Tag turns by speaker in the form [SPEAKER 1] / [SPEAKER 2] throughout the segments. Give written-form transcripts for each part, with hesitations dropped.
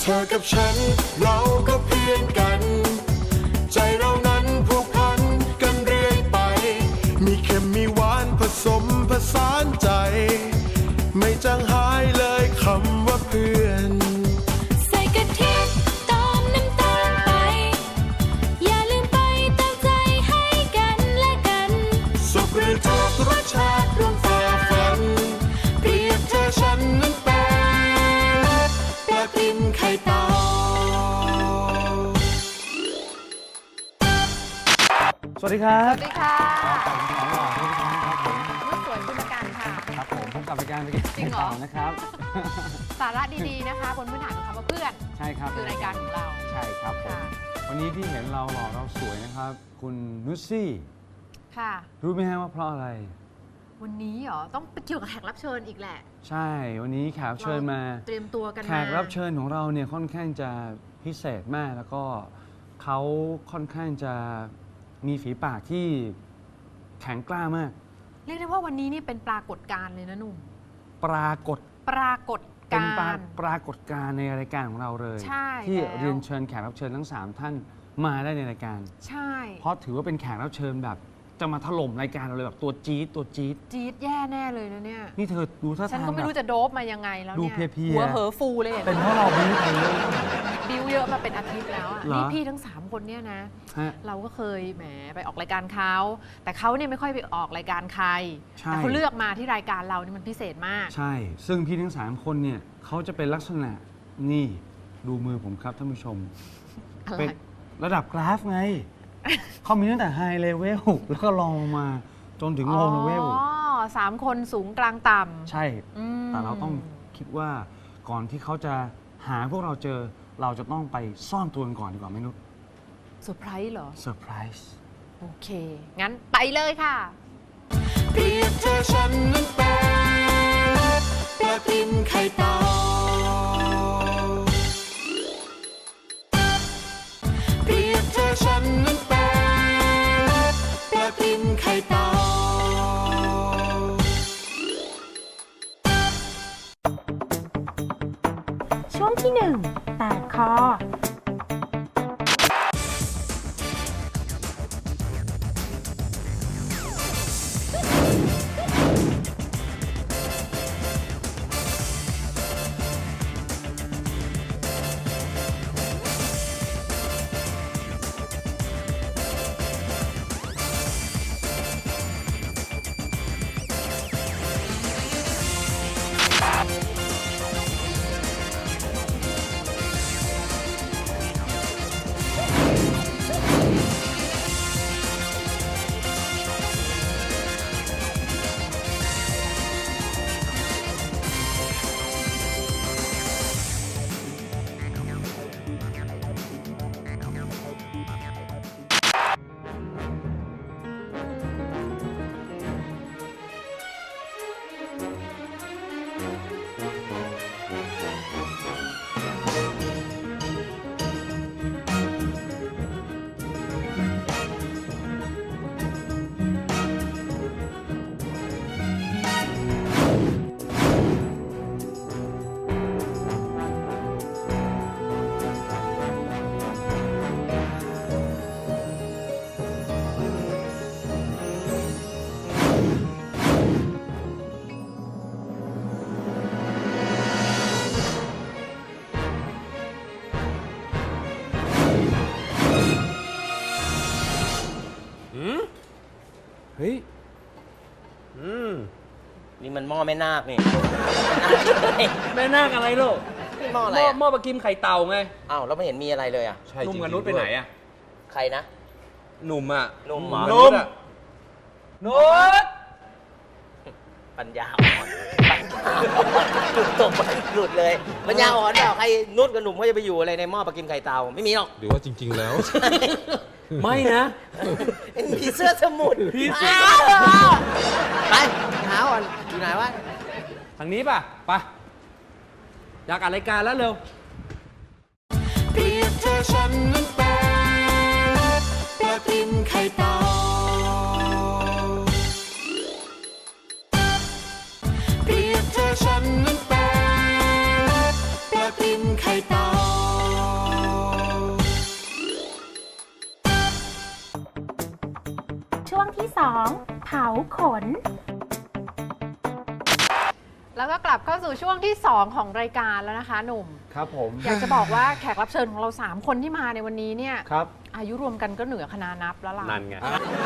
[SPEAKER 1] ธอกับฉันเราก็เพื่อนกันใจเรานั้นผูกพันกันเรื่อยไปมีเค็มมีหวานผสมผสานใจไม่จางหายเลยคำว่าเพื่อน
[SPEAKER 2] ใส่กะทิตามน้ำตาลไปอย่าลืมไปเติมใจให้กันและกัน
[SPEAKER 1] สุขหรือทุกข์รสชาติร่วมฝ่าฟันเปรียบเธอฉันนั้นเป็นปลาติมไข่เต่า
[SPEAKER 3] สวัสดีครับ
[SPEAKER 4] สวัสดีค่ะ
[SPEAKER 3] ขอบคุณครับผม
[SPEAKER 4] สวยคุณการค่ะ
[SPEAKER 3] ครับผมพบกับรายการไปกิน
[SPEAKER 4] จริงเหรอ
[SPEAKER 3] นะครับ
[SPEAKER 4] สาระดีๆนะคะบนพื้นฐานของคำว่าเพื่อน
[SPEAKER 3] ใช่ครับ
[SPEAKER 4] คือรายการของเรา
[SPEAKER 3] ใช่ครับผม
[SPEAKER 4] ค่ะ
[SPEAKER 3] วันนี้ที่เห็นเราหล่อเราสวยนะครับ คุณนุชซี่
[SPEAKER 4] ค่ะ
[SPEAKER 3] รู้ไหมฮะว่าเพราะอะไร
[SPEAKER 4] วันนี้เหรอต้องเกี่ยวกับแขกรับเชิญอีกแหละ
[SPEAKER 3] ใช่วันนี้แขกรับเชิญมา
[SPEAKER 4] เตรียมตัวกันมา
[SPEAKER 3] แขกรับเชิญของเราเนี่ยค่อนข้างจะพิเศษมากแล้วก็เขาค่อนข้างจะมีฝีปากที่แข็งกล้ามาก
[SPEAKER 4] เรียกได้ว่าวันนี้นี่เป็นปรากฏการณ์เลยนะหนุ่ม
[SPEAKER 3] ปรากฏ
[SPEAKER 4] ปรากฏ
[SPEAKER 3] เป็น
[SPEAKER 4] การณ์
[SPEAKER 3] ปรากฏการณ์ในรายการของเราเลย
[SPEAKER 4] ใช่
[SPEAKER 3] ที่
[SPEAKER 4] แล้ว
[SPEAKER 3] เรียนเชิญแขกรับเชิญทั้ง 3 ท่านมาได้ในรายการ
[SPEAKER 4] ใช่
[SPEAKER 3] เพราะถือว่าเป็นแขกรับเชิญแบบจะมาถล่มรายการเราเลยแบบตัวจี๊ดตัวจี๊ด
[SPEAKER 4] จี๊ดแย่แน่เลยนะเนี่ย
[SPEAKER 3] นี่เธอดูท่า
[SPEAKER 4] ฉัน
[SPEAKER 3] ทาง
[SPEAKER 4] ก็ไม่
[SPEAKER 3] แบบ
[SPEAKER 4] รู้จะโดบมายังไงแล้ว
[SPEAKER 3] ดู
[SPEAKER 4] เนี่ย
[SPEAKER 3] เพลียๆ
[SPEAKER 4] หัวเหอฟูเลยเห็นไหม
[SPEAKER 3] เป็นเพราะเราบิ้วไปเยอะ
[SPEAKER 4] บิ้วเยอะมาเป็นอาทิตย์แล้วอะ
[SPEAKER 3] เหรอ
[SPEAKER 4] นี่พี่ทั้ง 3 คนเนี่ยนะ
[SPEAKER 3] ฮะ
[SPEAKER 4] เราก็เคยแหมไปออกรายการเขาแต่เขาเนี่ยไม่ค่อยไปออกรายการใคร
[SPEAKER 3] ใช่
[SPEAKER 4] แต่เขาเลือกมาที่รายการเรานี่มันพิเศษมาก
[SPEAKER 3] ใช่ ซึ่งพี่ทั้ง 3 คนเนี่ยเขาจะเป็นลักษณะนี่ดูมือผมครับท่านผู้ชม
[SPEAKER 4] อะไร
[SPEAKER 3] เป็นระดับกราฟไง เขามีตั้งแต่ไฮเลเวลแล้วก็ลองลงมาจนถึงโลเลเวล
[SPEAKER 4] อ๋อ3 คนสูงกลางต่ำ
[SPEAKER 3] ใช่
[SPEAKER 4] อืม
[SPEAKER 3] แต่เราต้องคิดว่าก่อนที่เขาจะหาพวกเราเจอเราจะต้องไปซ่อนตัวกันก่อนดีกว่าไหมนุช
[SPEAKER 4] เซอร์ไพรส์เหรอ
[SPEAKER 3] เซอร์ไพรส์
[SPEAKER 4] โอเค งั้นไปเลยค่ะ
[SPEAKER 1] เปรียบเธอฉันนั้นเป็นปลาติมไข่เต่าเปรียบเธอฉันนั้นเป็นปลาติมไข่เต่า
[SPEAKER 2] ช่วงที่ 1 แตกคอ
[SPEAKER 3] เฮ้ย
[SPEAKER 5] นี่มันหม้อแม่นาคนี่
[SPEAKER 6] แม่นาคอะไรลูก
[SPEAKER 5] นี่หม้ออะไร
[SPEAKER 6] หม้อปลากิมไข่เต่าไง
[SPEAKER 5] อ้าวแล้วไม่เห็นมีอะไรเลยอ่ะ
[SPEAKER 6] หนุ่มกับนุชไปไหนอ่ะ
[SPEAKER 5] ใครนะ
[SPEAKER 6] หนุ่มอ่ะ
[SPEAKER 5] หนุ่มเหรอ
[SPEAKER 6] นุ่มนุช
[SPEAKER 5] ปัญญาอ่อนปัญญาอ่อนหลุดตกไปหลุดเลยปัญญาอ่อนเปล่าใครนุชกับหนุ่มเขาจะไปอยู่อะไรในหม้อปลากิมไข่เต่าไม่มีหรอก
[SPEAKER 7] หรือว่าจริง ๆ แล้ว
[SPEAKER 6] ไม่นะ
[SPEAKER 5] ผีเสื้อสมุทร
[SPEAKER 6] ผีเสื้อ
[SPEAKER 5] ไปหาอ่อนอยู่ไหนวะ
[SPEAKER 6] ทางนี้ป่ะไปอยากอ่านรายการแล้วเร็ว
[SPEAKER 1] เปรียบเธอฉันนั้นเป็นปลาติมไข่เต่าเปรียบเธอฉันนั้นเป็นปลาติมไข่เต่า
[SPEAKER 7] ที่ 2 เผาขน
[SPEAKER 4] แล้วก็กลับเข้าสู่ช่วงที่ 2 ของรายการแล้วนะคะหนุ่ม
[SPEAKER 3] ครับผม
[SPEAKER 4] อยากจะบอกว่าแขกรับเชิญของเรา 3 คนที่มาในวันนี้เนี่ย
[SPEAKER 3] ครับ
[SPEAKER 4] อายุรวมกันก็เหนือคณะนับแล้วล่ะ
[SPEAKER 8] นั่นไง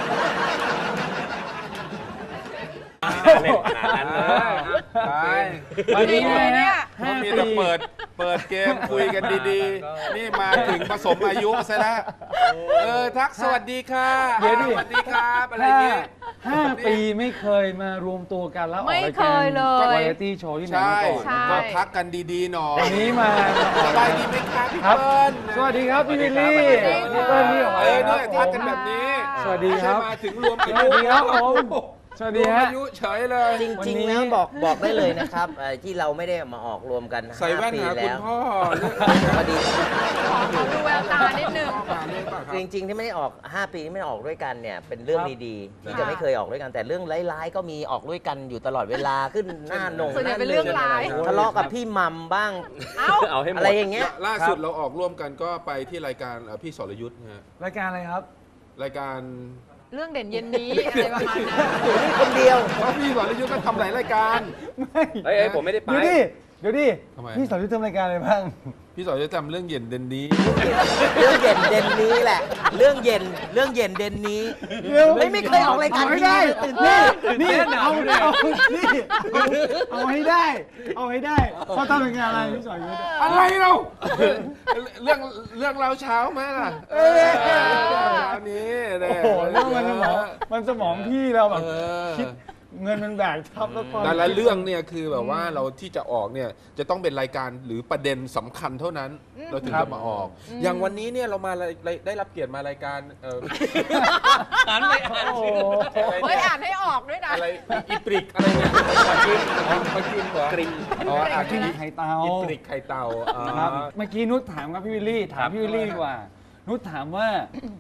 [SPEAKER 6] เล่นขนาดนั้นเลยไป
[SPEAKER 3] วันนี้
[SPEAKER 4] เนี่ย
[SPEAKER 6] เขามีแต่เปิดเกมคุยกันดีๆ นี่มาถึงผสมอายุซะแล้วทักสวัสดีค่ะ
[SPEAKER 3] เดี๋ยวดิ
[SPEAKER 6] สวัสดีครับอะไรเงี้ย
[SPEAKER 3] 5 ปีไม่เคยมารวมตัวกันแล้วออก
[SPEAKER 4] ไม่
[SPEAKER 3] ราย
[SPEAKER 4] เค
[SPEAKER 3] การ
[SPEAKER 4] ยเลย
[SPEAKER 3] วาไรตี้โชว์ที่ไหน
[SPEAKER 6] ใช่
[SPEAKER 3] มาก่อน
[SPEAKER 4] ใช่
[SPEAKER 6] ก็ทักกันดีๆหน่อย
[SPEAKER 3] วันนี้มา
[SPEAKER 6] สบายดีไหมครับพี่
[SPEAKER 3] ครับ
[SPEAKER 6] เปิ้ล
[SPEAKER 3] สวัสดีครับพี่วิลลี่
[SPEAKER 4] สวัสดีครับ
[SPEAKER 3] พี่เปิ้ลพี่หอย
[SPEAKER 6] เนี่ย
[SPEAKER 3] ค
[SPEAKER 6] ทั
[SPEAKER 3] รั
[SPEAKER 6] ก
[SPEAKER 3] บ
[SPEAKER 6] กันแบบนี้
[SPEAKER 3] สวัสดีครับ
[SPEAKER 6] ไม่ใช่มาถึงรวมอา
[SPEAKER 3] ส
[SPEAKER 6] ยุ
[SPEAKER 3] วัสดีครับผมสวัสดี
[SPEAKER 6] รวม
[SPEAKER 3] ฮะ
[SPEAKER 6] อายุเฉยเลย
[SPEAKER 5] จ
[SPEAKER 3] วัน
[SPEAKER 5] ริง
[SPEAKER 3] นี้
[SPEAKER 5] ๆแล้วบอกได้เลยนะครับที่เราไม่ได้มาออกรวมกัน
[SPEAKER 6] ใส่แว่น
[SPEAKER 5] 5 ปี
[SPEAKER 6] หาคุ
[SPEAKER 5] แล้
[SPEAKER 6] ณ
[SPEAKER 5] ว
[SPEAKER 6] พ่อ
[SPEAKER 5] พอดี
[SPEAKER 4] ขอดูแววตานิดนึง
[SPEAKER 5] จริงๆที่ไม่ได้ออก 5 ปีที่ไม่ได้ออกด้วยกันเนี่ยเป็นเรื่องดีๆที่จะไม่เคยออกด้วยกันแต่เรื่องร้ายๆก็มีออกด้วยกันอยู่ตลอดเวลาขึ้นหน้าหนง
[SPEAKER 4] ส่วนใหญ่เป็นเรื่องร้าย
[SPEAKER 5] ทะเลาะกับพี่มัมบ้าง
[SPEAKER 4] เอ้า
[SPEAKER 8] เอาให้หมด
[SPEAKER 5] อะไรอย่างเงี้ย
[SPEAKER 6] ล่าสุดเราออกร่วมกันก็ไปที่รายการพี่สรยุทธ์นะฮะ
[SPEAKER 3] รายการอะไรครับ
[SPEAKER 6] รายการ
[SPEAKER 4] เรื่องเด่นเย็นนี้อะไรประมาณนั้น
[SPEAKER 5] นี่คนเดียว
[SPEAKER 6] เพราะพี่สรยุทธ์ก็ทำหลายรายการ
[SPEAKER 3] ไม่
[SPEAKER 8] เฮ้ยผมไม่ได้ไป
[SPEAKER 3] เดี๋ยวดิ
[SPEAKER 6] ทำไม
[SPEAKER 3] พี่สอนยุทธทำรายการอะไรบ้าง
[SPEAKER 6] พี่สรยุทธ์ทำเรื่องเย็นเด่นนี้
[SPEAKER 5] เรื่องเย็นเด่นนี้แหละ เรื่องเย็นเด่นนี้
[SPEAKER 3] เดี๋ยว
[SPEAKER 5] ไม่เคยออกรายการ
[SPEAKER 3] เอาให้
[SPEAKER 5] ที
[SPEAKER 3] ได้
[SPEAKER 5] วีตื่นเต้
[SPEAKER 3] นี่
[SPEAKER 5] น
[SPEAKER 3] นี่เอานี่เอาให้ได้ เอาให้ได้เขาทำรายการอะไรพี่สอนยุทธ
[SPEAKER 6] อะไรเราเรื่องเราเช้าไหมล่ะเช้านี้เนี่ย
[SPEAKER 3] โอ้โหเรื่องมันสมองพี่เราแบบ
[SPEAKER 6] เออ
[SPEAKER 3] คิดเงินมันแบกทับแล้วความ
[SPEAKER 6] แต่ละเรื่องเนี่ยคือแบบว่าเราที่จะออกเนี่ยจะต้องเป็นรายการหรือประเด็นสำคัญเท่านั้น เราถึงจะมาออก อย่างวันนี้เนี่ยเรามาได้รับเกียรติมารายการ
[SPEAKER 8] อ่านไม่อ่าน
[SPEAKER 3] โอ้โห
[SPEAKER 4] เฮ้ยอ่านให้ออกด้วยนะ
[SPEAKER 6] อะไรอีปริกอะไรเนี่ยมากินเหรอกรินอ๋ออ่าน
[SPEAKER 3] ที่
[SPEAKER 6] ที่
[SPEAKER 3] ไข่เตา
[SPEAKER 6] อีปริกไข่เต่าอ๋อ
[SPEAKER 3] ครับเมื่อกี้นุชถามครับพี่วิลลี่ถามพี่วิลลี่ดีกว่า นุชถามว่า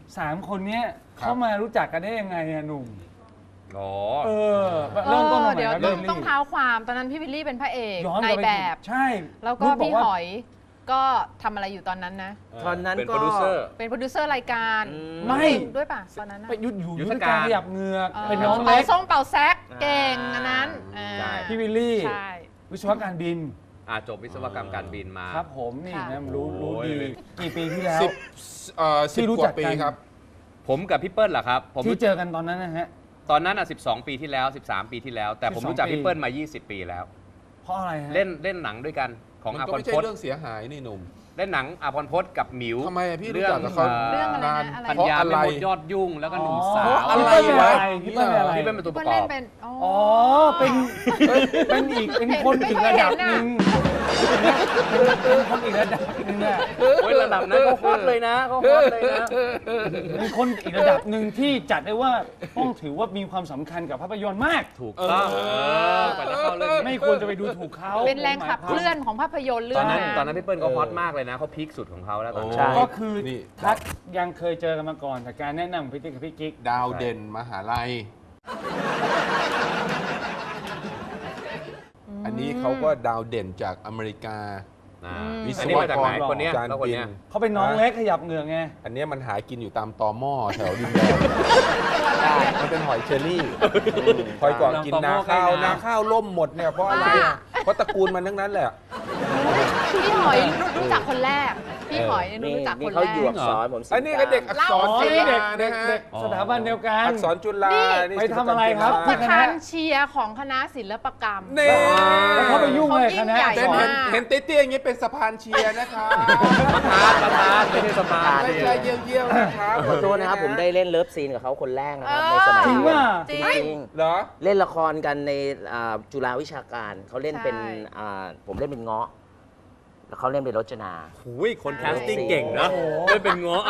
[SPEAKER 3] 3 คนเนี้ยเขามารู้จักกันได้ยังไงอะหนุ่ม
[SPEAKER 8] อ๋อ
[SPEAKER 3] เริ่มต้นมาใหม่
[SPEAKER 4] เดี๋ยว
[SPEAKER 3] นะ
[SPEAKER 4] ต้
[SPEAKER 3] พี่
[SPEAKER 4] อง
[SPEAKER 3] วิล
[SPEAKER 4] ต้อง
[SPEAKER 3] ลี่
[SPEAKER 4] เท้าความตอนนั้นพี่วิลลี่เป็นพระเอก
[SPEAKER 3] ย้อน
[SPEAKER 4] ใน
[SPEAKER 3] กลัไป
[SPEAKER 4] แบบ
[SPEAKER 3] ใช่
[SPEAKER 4] แล้วก็
[SPEAKER 3] นุชบ
[SPEAKER 4] พี่
[SPEAKER 3] ว่า
[SPEAKER 4] หอยก็ทำอะไรอยู่ตอนนั้นนะ
[SPEAKER 5] ตอนนั้น
[SPEAKER 8] เป็น
[SPEAKER 5] ก็
[SPEAKER 8] โปรดิวเซอร์
[SPEAKER 4] เป็นโปรดิวเซอร์รายการ
[SPEAKER 3] ไม่
[SPEAKER 4] ด้วยป่ะตอนนั้นนะ
[SPEAKER 3] ไปอยู่
[SPEAKER 8] ยุ
[SPEAKER 3] ยุ
[SPEAKER 8] ท
[SPEAKER 3] ท
[SPEAKER 8] ธ
[SPEAKER 3] ธ
[SPEAKER 8] กา
[SPEAKER 3] การ รขยับเหงือก
[SPEAKER 4] ออ
[SPEAKER 3] เป็นน้อง
[SPEAKER 4] เป่า
[SPEAKER 3] เล็ก
[SPEAKER 4] ส้มเป่าแซกเก่งอันนั้น
[SPEAKER 8] ใช่
[SPEAKER 3] พี่วิลลี่
[SPEAKER 4] ใช่
[SPEAKER 3] วิศวการบิน
[SPEAKER 8] จบวิศวกรรมการบินมา
[SPEAKER 3] ครับผมนี่
[SPEAKER 4] ค่ะ
[SPEAKER 3] นะรู้
[SPEAKER 8] โอ้ย
[SPEAKER 3] ดีกี่ปีที่แล้ว
[SPEAKER 6] 10
[SPEAKER 3] ที่รู้
[SPEAKER 6] ก
[SPEAKER 3] จั
[SPEAKER 6] ว่าก ปี
[SPEAKER 3] กัน
[SPEAKER 6] ครับ
[SPEAKER 8] ผมกับพี่เปิ้ลเหรอครับ ผม
[SPEAKER 3] ที่เจอกันตอนนั้นนะฮะ
[SPEAKER 8] ตอนนั้น12 ปีที่แล้ว 13 ปีที่แล้ว แต่ผม
[SPEAKER 3] 12
[SPEAKER 8] รู้จัก
[SPEAKER 3] ปี
[SPEAKER 8] พี่เปิ้ลมา 20 ปีแล้ว
[SPEAKER 3] เพราะอะไรฮะ
[SPEAKER 8] เล่นหนังด้วยกันของ
[SPEAKER 6] มัน
[SPEAKER 8] อา
[SPEAKER 6] ก็
[SPEAKER 8] พร
[SPEAKER 6] ไม่ใช่
[SPEAKER 8] พจน์
[SPEAKER 6] เรื่องเสียหายนี่หนุ่ม
[SPEAKER 8] เล่นหนังอาพรพจน์กับหมิว
[SPEAKER 6] ทำไมอะพี่รู้จักกับเขา
[SPEAKER 4] เรื่องอะไรนะอะไร
[SPEAKER 8] ปัญ
[SPEAKER 6] เพราะ
[SPEAKER 8] ญา
[SPEAKER 6] อะไร
[SPEAKER 8] ไม่หมดยอดยุ่งแล้วก็หนุ่มสาว
[SPEAKER 6] เพราะอะไร
[SPEAKER 3] พี่เปิ้ลเป็นอะไร
[SPEAKER 8] พี่เปิ้ลเป็นตัว
[SPEAKER 4] พี่
[SPEAKER 8] ป
[SPEAKER 4] เปิ้
[SPEAKER 8] ระ
[SPEAKER 4] ล
[SPEAKER 8] กอบ
[SPEAKER 4] เล่นเป็นอ๋อ
[SPEAKER 3] อ๋อเป็นเป็นคนอีกระดับหนึ่งเป็นคนอีกระดับหนึ่งอะ
[SPEAKER 8] โอ้ยระดับนั้นก็ฮอตเลยนะก็ฮอตเลยนะ
[SPEAKER 3] เป็นคนอีกระดับหนึ่งที่จัดได้ว่าต้องถือว่ามีความสำคัญกับภาพยนตร์มาก
[SPEAKER 8] ถูกต้องกว่าจะเข้าเรื่อง
[SPEAKER 3] ไม่ควรจะไปดูถูกเขา
[SPEAKER 4] เป็นแรงขับเคลื่อนของภาพยนตร์เรื่
[SPEAKER 8] ต
[SPEAKER 4] อ
[SPEAKER 8] อง นนั้น
[SPEAKER 4] นั้น
[SPEAKER 8] ตอนนั้นพี่เปิ้ลก็ฮอตมากเลยนะเขาพีคสุดของเขาแล้วตอนนั้น
[SPEAKER 5] ใช่
[SPEAKER 3] ก็คือ
[SPEAKER 6] นี่
[SPEAKER 3] ทักยังเคยเจอกันมาก่อนจากการแนะนำของพี่ติ๊กกับพี่กิ๊ก
[SPEAKER 6] ดาวเด่นมหาลัย อันนี้เขาก็ดาวเด่นจากอเมริกา วิศ
[SPEAKER 8] อันนี้
[SPEAKER 6] ว
[SPEAKER 8] มาจาก
[SPEAKER 6] ก
[SPEAKER 8] ไหน
[SPEAKER 6] ร
[SPEAKER 8] คนเนี้ย
[SPEAKER 6] การ
[SPEAKER 8] แล้วคน
[SPEAKER 6] บิน
[SPEAKER 8] เนี้ย
[SPEAKER 3] เขาเป็นน้องเล็กขยับเหงือกไง
[SPEAKER 6] อันเนี้ยมันหากินอยู่ตามตอหม้อแถวดินแดงมันเป็นหอยเชอรี่คอยก่อนกินนาข้าวนาข้าวล่มหมดเนี่ยเพราะอะไรอะเพราะตระกูลมันทั้งนั้นแหละ
[SPEAKER 4] พี่หอยรู้จักคนแรก พี่หอยเนี่ย
[SPEAKER 5] นี่
[SPEAKER 4] รู้จัก
[SPEAKER 5] นี่
[SPEAKER 4] คน
[SPEAKER 5] เขา
[SPEAKER 4] แร
[SPEAKER 5] อยู่
[SPEAKER 4] ก
[SPEAKER 5] อักษรผม
[SPEAKER 6] อันนี้ก็เด็กอักษร
[SPEAKER 3] อ๋อ
[SPEAKER 6] จุ
[SPEAKER 3] นี่
[SPEAKER 6] ฬา
[SPEAKER 3] เด็ก
[SPEAKER 6] นะ
[SPEAKER 3] เด็
[SPEAKER 6] ฮะ
[SPEAKER 3] กสถาบันเดียวกัน
[SPEAKER 6] อักษรจุฬา
[SPEAKER 3] นี่ไปทำอะไรครับ
[SPEAKER 4] ประธานเชียร์ของคณะศิลปกรรม
[SPEAKER 6] เน่
[SPEAKER 3] แล้วเขาไปยุ่งเลยคณะ
[SPEAKER 4] เขายิ่งใหญ่
[SPEAKER 6] เห็นเตี้ยๆอย่างนี้เป็นสะพานเชียร์นะครับ
[SPEAKER 8] ประธานไม่ใช่สภา
[SPEAKER 6] ไม่ใช่เยี่ยวๆนะครับ
[SPEAKER 5] ขอโทษนะครับผมได้เล่นเลิฟซีนกับเขาคนแรกนะครับในสมัย
[SPEAKER 3] จริง
[SPEAKER 5] เรียน
[SPEAKER 3] ป่ะ
[SPEAKER 4] จริง
[SPEAKER 5] จริง
[SPEAKER 6] เหรอ
[SPEAKER 5] เล่นละครกันในจุฬาวิชาการเขาเล่นเป็น
[SPEAKER 4] ใช่
[SPEAKER 5] ผมเล่นเป็นเงาะแล้วเขาเล่นเป็นรจนา
[SPEAKER 8] หูยคนแคสติ้งเก่งนะไม่เป็นง้อ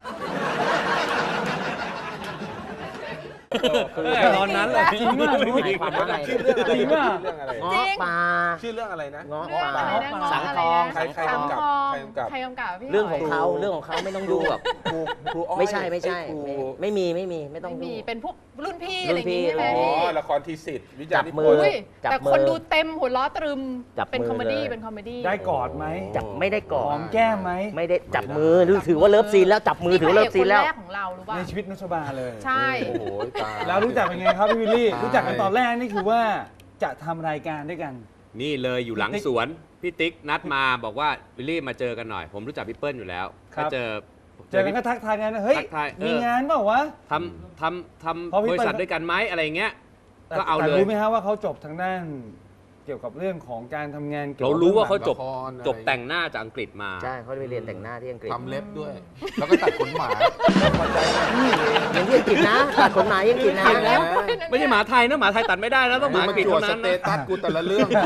[SPEAKER 8] ตอนนั้นแหละ
[SPEAKER 3] จริงป่ะ
[SPEAKER 5] หมายความว่าอะไร
[SPEAKER 6] ชื่อเรื่องอะไร
[SPEAKER 3] จริงป่ะ
[SPEAKER 6] ชื่อเรื่องอะไร
[SPEAKER 5] เงาะป่า
[SPEAKER 6] ชื่อเรื่องอะไรนะ
[SPEAKER 5] เงาะ
[SPEAKER 4] เรื่อง
[SPEAKER 5] ป่า
[SPEAKER 4] อะไรนะ
[SPEAKER 5] สังทอง
[SPEAKER 6] ใคร
[SPEAKER 5] สังท
[SPEAKER 6] กำกับ
[SPEAKER 5] อง
[SPEAKER 6] ใครกำกับ
[SPEAKER 4] ใครกำกับพี่หย
[SPEAKER 5] เรื่องของเขาไม่ต้องยุ่งกับ
[SPEAKER 6] ครูอ้อย
[SPEAKER 5] ไม่ใช่
[SPEAKER 6] ครู
[SPEAKER 5] ไม่มีไม่ต้อง
[SPEAKER 4] ไม่มี
[SPEAKER 5] ยุ่ง
[SPEAKER 4] เป็นพวกรุ่นพี่
[SPEAKER 5] รุ่
[SPEAKER 4] อะไร
[SPEAKER 5] น
[SPEAKER 4] อย่าง
[SPEAKER 5] พี่
[SPEAKER 4] งี้ใช่ไหม
[SPEAKER 6] อ๋อ
[SPEAKER 4] พี่
[SPEAKER 6] ละครทีสิทธิ์วิจารณ์นิพ
[SPEAKER 5] จับมื
[SPEAKER 6] น
[SPEAKER 5] อ
[SPEAKER 6] ธ์
[SPEAKER 4] อุ้ย
[SPEAKER 5] จับ
[SPEAKER 4] แต่
[SPEAKER 5] มือ
[SPEAKER 4] คนดูเต็มหัวล้อตรึม
[SPEAKER 5] จับ
[SPEAKER 4] เป็น
[SPEAKER 5] มือ
[SPEAKER 4] คอมเมดี้
[SPEAKER 5] เลย
[SPEAKER 4] เป็นคอมเมดี้
[SPEAKER 3] ได้กอดไหม
[SPEAKER 5] จับไม่ได้ก่อ
[SPEAKER 3] หอน มแก้มไหม
[SPEAKER 5] ไม่ได้จับมือถือว่าเลิฟซีนแล้วจับมือถือว่าเลิฟซีนแล้ว
[SPEAKER 4] พระเอกคนแรกของเรารู้ป่ะ
[SPEAKER 3] ในชีวิตนุชบาเลย
[SPEAKER 4] ใช่
[SPEAKER 6] โอ้โหต
[SPEAKER 3] แล้วรู้จักเป็นไงครับพี่วิลลี่รู้จักกันตอนแรกนี่คือว่าจะทำรายการด้วยกัน
[SPEAKER 8] นี่เลยอยู่หลังสวนพี่ติ๊กนัดมาบอกว่าวิลลี่มาเจอกันหน่อย ผมรู้จักพี่เปิ้ลอยู่แล้ว
[SPEAKER 3] ครั
[SPEAKER 8] ก็
[SPEAKER 3] บ
[SPEAKER 8] เจอ
[SPEAKER 3] กันก็ทักทายกันนะเฮ้ย
[SPEAKER 8] ทักทาย
[SPEAKER 3] มีงานเปล่าวะ
[SPEAKER 8] ทำ
[SPEAKER 3] เพราะพี่
[SPEAKER 8] บริษัท
[SPEAKER 3] เปิ้ล
[SPEAKER 8] ด้วยกันไหมอะไรเงี้ย
[SPEAKER 3] แต่
[SPEAKER 8] ก็เอา
[SPEAKER 3] แต่
[SPEAKER 8] เลย
[SPEAKER 3] รู้ไหมฮะว่าเขาจบทางด้านเกี่ยวกับเรื่องของการทำงานกี่ยว
[SPEAKER 8] เรา
[SPEAKER 3] กับ
[SPEAKER 8] รู้ว่าเขาจบ
[SPEAKER 6] ละครอะไร
[SPEAKER 8] จบแต่งหน้าจากอังกฤษมา
[SPEAKER 5] ใช่เขาไปเรียนแต่งหน้าที่อังกฤษ
[SPEAKER 6] ทำเล็บด้วย แล้วก็ตัดขนหมาพอใจไหม
[SPEAKER 5] อย่างที่อังกฤษนะตัดขนหมาที่อังกฤษนะ
[SPEAKER 8] เห็นแล้ว ไม่ใช่หมาไทยนะหมาไทยตัดไม่ได้นะต้องหมาอังกฤษ
[SPEAKER 6] จวด
[SPEAKER 8] เท่า
[SPEAKER 6] ส
[SPEAKER 8] นั้น
[SPEAKER 6] เต
[SPEAKER 8] นะ
[SPEAKER 6] ตัสกูแต่ละเรื่อง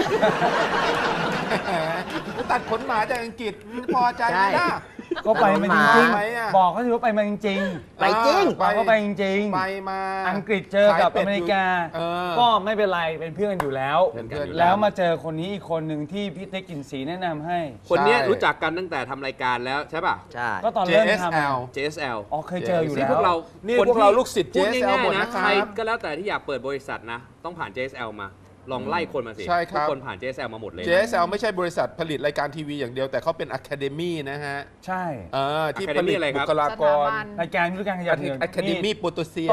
[SPEAKER 6] ตัดขนหมาจากอังกฤษพอใจไหมล่ะ
[SPEAKER 3] ก็ไปมาจริง
[SPEAKER 6] ไปอ่ะ
[SPEAKER 3] ๆบอกเขาถือว่าไปมาจริง
[SPEAKER 5] ไปจริง
[SPEAKER 3] ๆบอกเขาไปจริง
[SPEAKER 6] ไปมา
[SPEAKER 3] อังกฤษเจอกับอเมริกา
[SPEAKER 6] เออ
[SPEAKER 3] ก็ไม่เป็นไรเป็นเพื่อนกันอยู่แล้ว
[SPEAKER 6] เป็นเพื่อนกัน
[SPEAKER 3] แล้วมาเจอคนนี้อีกคนหนึ่งที่พี่ติ๊กกลินสีแนะนำให้
[SPEAKER 8] คนเนี้ย
[SPEAKER 6] ใช่
[SPEAKER 8] รู้จักกันตั้งแต่ทำรายการแล้วใช่ป่ะ
[SPEAKER 5] ใช่
[SPEAKER 3] ก็ตอนเริ่มท
[SPEAKER 6] JSL
[SPEAKER 8] JSL
[SPEAKER 3] ำอ๋อเคยเจออยู่
[SPEAKER 8] นี่
[SPEAKER 3] แล้ว
[SPEAKER 8] พวกเรา
[SPEAKER 6] นี่
[SPEAKER 8] คน
[SPEAKER 6] พวกเราลูกศิษย์
[SPEAKER 8] พูด
[SPEAKER 6] JSL
[SPEAKER 8] ง่าย
[SPEAKER 6] หมด
[SPEAKER 8] ๆนะ
[SPEAKER 6] นะครับ
[SPEAKER 8] ใครก็แล้วแต่ที่อยากเปิดบริษัทนะ ต้องผ่าน JSL มา ลองไล่คนมาสิ
[SPEAKER 6] ใช่ครับ
[SPEAKER 8] ทุกคนผ่าน JSL มาหมดเลยนะ
[SPEAKER 6] JSL ไม่ใช่บริษัทผลิตรายการทีวีอย่างเดียวแต่เขาเป็น Academy นะฮะ
[SPEAKER 3] ใช่
[SPEAKER 6] ที่
[SPEAKER 8] Academy
[SPEAKER 6] ผลิต
[SPEAKER 8] อะไรค
[SPEAKER 6] บุ
[SPEAKER 8] รับ
[SPEAKER 6] คลากร
[SPEAKER 4] สถาบัน
[SPEAKER 3] รายการวิทยุการขยันเงิน
[SPEAKER 6] Academy โปรโตเซีย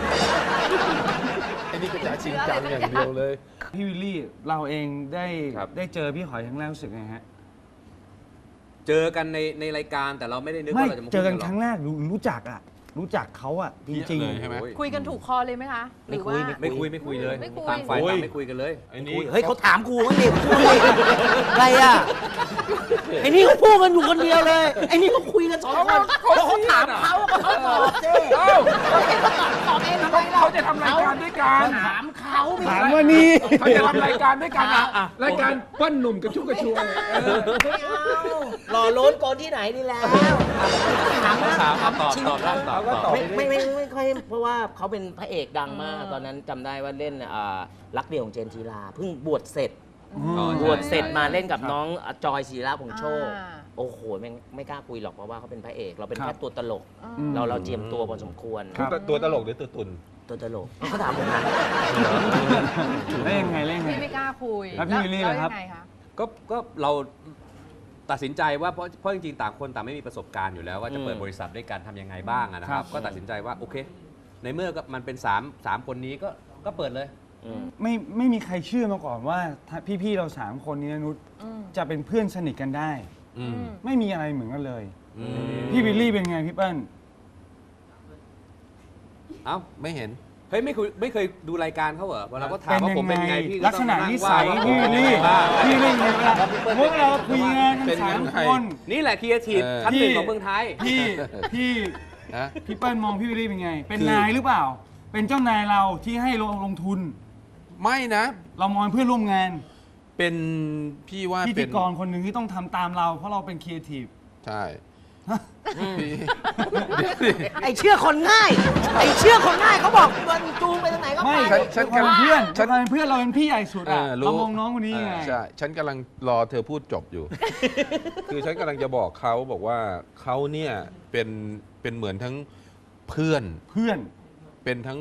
[SPEAKER 6] ไอ้นี่ก็จะชิงจังอย่างเดียวเลย
[SPEAKER 3] พี่วิลลี่เราเองได้
[SPEAKER 8] ครับ
[SPEAKER 3] ได้เจอพี่หอยครั้งแรกรู้สึกไงฮะ
[SPEAKER 8] เจอกันในรายการแต่เราไม่ได้นึก
[SPEAKER 3] ไม่
[SPEAKER 8] ว่าเราจะมา
[SPEAKER 3] เจอกัน
[SPEAKER 8] หร
[SPEAKER 3] ครั้งแรกรู้จักอ่ะรู้จักเขาอ่ะจริง
[SPEAKER 6] เยอะเลยใช่ไหม
[SPEAKER 8] โอ้ย
[SPEAKER 4] คุยกันถูกคอเลยไหมคะหรือว่า
[SPEAKER 8] ไม่คุยเลย
[SPEAKER 4] ไม่คุย
[SPEAKER 8] ต่างฝ่ายต่างไม่คุยกันเลย
[SPEAKER 6] ไอ้นี่
[SPEAKER 5] เฮ้ยเขาถามกูมั้งดิพูดดิอะไรอ่ะไอ้นี่เขาพูดกันอยู่คนเดียวเลยไอ้นี่เขาคุยกันสองคนเขาถามเขาเขาตอบเจ้
[SPEAKER 4] ตอบเองทำไมเรา
[SPEAKER 6] เขาจะทำรายการด้วยกัน
[SPEAKER 5] ถามเขา
[SPEAKER 3] ถามว่านี่
[SPEAKER 6] เขาจะทำรายการด้วยกันรายการเปิ้ลหนุ่มกระชุ่มกระชวย
[SPEAKER 5] ไม่เอาหล่อล้นก่อนที่ไหนนี่แล้วถามนะ
[SPEAKER 8] ถามตอบได้ตอบ
[SPEAKER 5] ไม่ค่อยเพราะว่าเขาเป็นพระเอกดังมากตอนนั้นจำได้ว่าเล่นรักเดียวของเจนจีราเพิ่งบวชเสร็จ บวชเสร็จมาเล่นกับน้องจอยศิระพงษ์โชค โอ้โหไม่กล้าคุยหรอกเพราะว่าเขาเป็นพระเอก เราเป็นแค่ตัวตลก เราเจียมตัวพอสมควร
[SPEAKER 3] ครับ
[SPEAKER 6] ตัวตลกหรือตัวตุน
[SPEAKER 5] ตัวตลกเขาถามผมนะ
[SPEAKER 3] แล้วยังไง
[SPEAKER 4] พี่ไม่กล้าคุย
[SPEAKER 3] แล้วพี่วิลลี่ล่ะครับ
[SPEAKER 4] ยังไงคะ
[SPEAKER 8] ก็เราตัดสินใจว่าเพราะจริงๆต่างคนต่างไม่มีประสบการณ์อยู่แล้วว่าจะเปิดบริษัทด้วยกันทำยังไงบ้างอะนะครับ ก็ตัดสินใจว่าโอเค ในเมื่อมันเป็น3คนนี้ก็เปิดเลย
[SPEAKER 3] ไม่มีใครเชื่อมาก่อนว่าพี่ๆเรา3คนนี้นะนุชจะเป็นเพื่อนสนิทกันได้ ไม่มีอะไรเหมือนกันเลย พี่วิลลี่เป็นไงพี่เปิ้ล
[SPEAKER 8] เอ้า
[SPEAKER 6] ไม่เห็น
[SPEAKER 8] เฮ้ยไม่เคยดูรายการเขาเหรอเวลาก็ถาม
[SPEAKER 3] เป็น
[SPEAKER 8] ว่าผม
[SPEAKER 3] ยัง
[SPEAKER 8] เป็น
[SPEAKER 3] ไง
[SPEAKER 8] ไงพี่
[SPEAKER 3] ลักษณะนิสัย
[SPEAKER 8] ว่า
[SPEAKER 3] พี่วิลลี่
[SPEAKER 8] ว่า
[SPEAKER 3] พี่วิลลี่ไงเวลาพวกเราคุยงานกัน
[SPEAKER 6] เป็นยัง
[SPEAKER 3] สาม
[SPEAKER 6] ไง
[SPEAKER 3] คน
[SPEAKER 8] นี่แหละครีเอทีฟ
[SPEAKER 6] เออ
[SPEAKER 8] ชั้นหนึ่งของเมืองไทย
[SPEAKER 3] พี่
[SPEAKER 6] นะ
[SPEAKER 3] พี่เปิ้ลมองพี่วิลลี่เป็นไง เป็น
[SPEAKER 6] คือ
[SPEAKER 3] นายหรือเปล่า เป็นเจ้านายเราที่ให้ลงทุน
[SPEAKER 6] ไม่นะ
[SPEAKER 3] เรามองเป็นเพื่อนร่วมงาน
[SPEAKER 6] เป็นพี่ว่า
[SPEAKER 3] พิ
[SPEAKER 6] เป็
[SPEAKER 3] ธี
[SPEAKER 6] น
[SPEAKER 3] กรคนหนึ่งที่ต้องทำตามเรา เพราะเราเป็นครีเอทีฟ
[SPEAKER 6] ใช่พี่
[SPEAKER 5] ไอ้เชื่อคนง่าย ไอ้เชื่อคนง่ายเขาบอกมันจูงไปทางไหนก็ไป
[SPEAKER 3] ไม่
[SPEAKER 6] ฉัน
[SPEAKER 3] ความเป็นเพื่อน
[SPEAKER 6] ฉัน
[SPEAKER 3] ความเป็นเพื่อนเราเป็นพี่ใหญ่สุดอะ
[SPEAKER 6] รู้
[SPEAKER 3] เรามองน้องคนนี้ไง
[SPEAKER 6] ใช่ ฉันกำลังรอเธอพูดจบอยู่ คือฉันกำลังจะบอกเขาบอกว่าเขาเนี่ยเป็นเหมือนทั้งเพื่อน
[SPEAKER 3] เพื่อน
[SPEAKER 6] เป็นทั้ง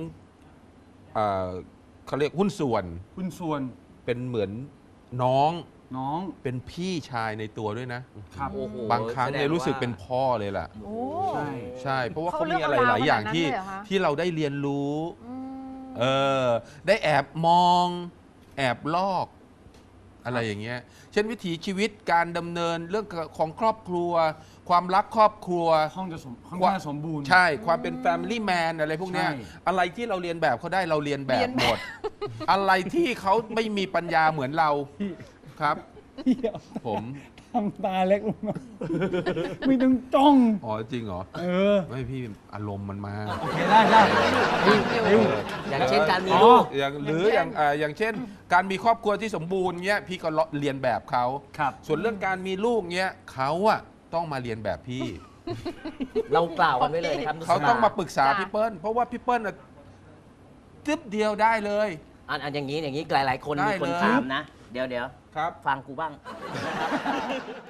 [SPEAKER 6] เขาเรียกหุ้นส่วน
[SPEAKER 3] คุณส่วน
[SPEAKER 6] เป็นเหมือนน้อง
[SPEAKER 3] น้อง
[SPEAKER 6] เป็นพี่ชายในตัวด้วยนะ
[SPEAKER 3] ครับ
[SPEAKER 5] โอ้โห
[SPEAKER 6] บางครั้งเนี่ย
[SPEAKER 5] แสดงว่า
[SPEAKER 6] รู้สึกเป็นพ่อเลยล่ะ
[SPEAKER 4] โอ้
[SPEAKER 3] ใช่
[SPEAKER 6] ใช่ เพราะว่า
[SPEAKER 4] เขา
[SPEAKER 6] เขา
[SPEAKER 4] เลื
[SPEAKER 6] มี
[SPEAKER 4] อก
[SPEAKER 6] อะไร
[SPEAKER 4] เอา
[SPEAKER 6] หลายอย่าง
[SPEAKER 4] ขนาดนั้น
[SPEAKER 6] ที่
[SPEAKER 4] เลยเหรอคะ
[SPEAKER 6] ที่เราได้เรียนรู้
[SPEAKER 4] อืม
[SPEAKER 6] ได้แอบมองแอบลอก อะไรอย่างเงี้ย เช่นวิถีชีวิตการดำเนินเรื่องของครอบครัว ความรักครอบครัว
[SPEAKER 3] ค่อนข้างสมบูรณ์
[SPEAKER 6] ใช่ ความเป็น Family Man อะไรพวกเนี้ย
[SPEAKER 3] ใช่
[SPEAKER 6] อะไรที่เราเรียนแบบเขาได้เราเรียนแบ
[SPEAKER 4] เรี
[SPEAKER 6] บ
[SPEAKER 4] ยนแบบ
[SPEAKER 6] หมด อะไรที่เขาไม่มีปัญญาเหมือนเราครับ ผม
[SPEAKER 3] ทำตาเล็กลงมาไม่ต้องจ้อง
[SPEAKER 6] อ๋อจริงเหรอ
[SPEAKER 3] เออ
[SPEAKER 6] ไม่พี่อารมณ์มันมา
[SPEAKER 3] โอเคได้
[SPEAKER 5] อย่างเช่นการมี
[SPEAKER 3] อ๋อ
[SPEAKER 5] ลูก
[SPEAKER 6] อย่างเช่น การมีครอบครัวที่สมบูรณ์เงี้ยพี่ก็เรียนแบบเขา
[SPEAKER 3] ครับ
[SPEAKER 6] ส่วนเรื่องการมีลูกเงี้ยเขาอะต้องมาเรียนแบบพี่
[SPEAKER 5] เรากล่าวกันไว้เลยนะครับ
[SPEAKER 6] เขาต้องมาปรึกษา
[SPEAKER 4] จ้ะ
[SPEAKER 6] พี่เปิ้ลเพราะว่าพี่เปิ้ลอะตึ๊บเดียวได้เลย
[SPEAKER 5] อันอย่างนี้หลายๆคน
[SPEAKER 6] ได้
[SPEAKER 5] มีคน
[SPEAKER 6] เลย
[SPEAKER 5] ถามนะ เดี๋ยว
[SPEAKER 6] ครับ
[SPEAKER 5] ฟังกูบ้างนะครับ